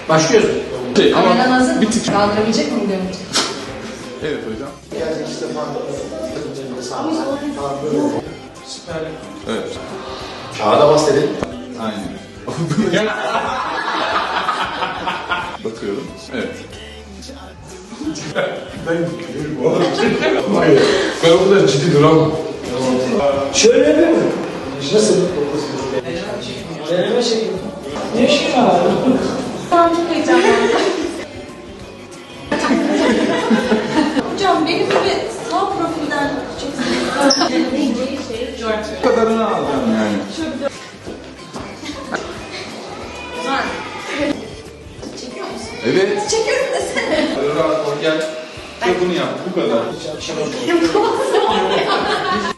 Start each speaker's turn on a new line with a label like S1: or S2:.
S1: Başlıyoruz.
S2: Kameradan hazır
S3: bir tık.
S2: kaldırabilecek miyim diyorum.
S3: Evet hocam. Evet.
S1: Kağıda bas dedin.
S3: Aynen. Bakıyorum. Evet.
S4: Ben o kadar ciddi duramam.
S1: Şöyle yapıyor mu? Nasıl? Deneme şekli. Ne şey var?
S2: Tamam, çok heyecanlandım. Hocam benim gibi sağ profilden çok
S3: Bu kadarını alacağım yani.
S2: güzel. Çekiyor musun?
S3: Evet.
S2: Çekiyorum desene.
S3: Rahat ol gel. Ve bunu yap. Bu kadar.